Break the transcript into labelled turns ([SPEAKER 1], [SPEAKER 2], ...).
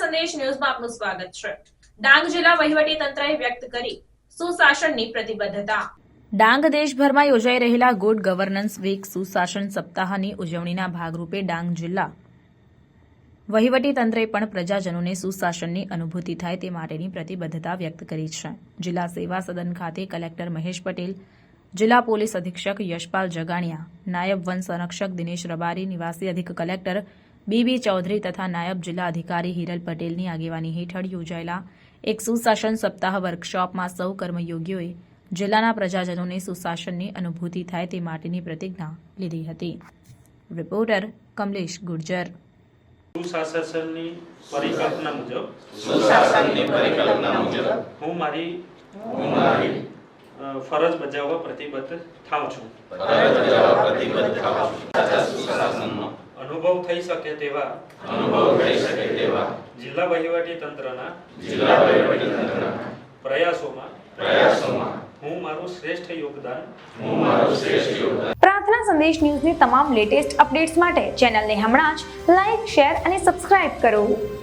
[SPEAKER 1] સંદેશ ન્યૂઝમાં આપનું સ્વાગત છે। ડાંગ જિલ્લા વહીવટી તંત્રએ વ્યક્ત કરી સુશાસનની પ્રતિબદ્ધતા। ડાંગ દેશભરમાં યોજાઈ રહેલા ગુડ ગવર્નન્સ વીક સુશાસન સપ્તાહની ઉજવણીના ભાગરૂપે ડાંગ જિલ્લા વહીવટી તંત્રે પણ પ્રજાજનોને સુશાસનની અનુભૂતિ થાય તે માટેની પ્રતિબદ્ધતા વ્યક્ત કરી છે। જિલ્લા સેવા સદન ખાતે કલેક્ટર મહેશ પટેલ, જિલ્લા પોલીસ અધિક્ષક યશપાલ જગાણિયા, નાયબ વન સંરક્ષક દિનેશ રબારી, નિવાસી અધિક કલેક્ટર બીબી ચૌધરી તથા નાયબ જિલ્લા અધિકારી હિરલ પટેલની આગેવાની હેઠળ યોજાયેલા એક સુશાસન સપ્તાહ વર્કશોપમાં સૌ કર્મયોગીઓએ જિલ્લાના પ્રજાજનોને સુશાસનની અનુભૂતિ થાય તે માટેની પ્રતિજ્ઞા લીધી હતી। રિપોર્ટર કમલેશ ગુર્જર।
[SPEAKER 2] સુશાસનની પરિકલ્પના મુજબ હું મારી ફરજ બજાવવા પ્રતિબદ્ધ થાઉં છું। અનુભવ થઈ શકે તેવા જિલ્લા વહીવટી તંત્રના પ્રયાસોમાં હું મારું શ્રેષ્ઠ યોગદાન
[SPEAKER 3] પ્રાર્થના સંદેશ ન્યૂઝની તમામ લેટેસ્ટ અપડેટ્સ માટે ચેનલને હમણાં જ લાઈક, શેર અને સબસ્ક્રાઇબ કરો।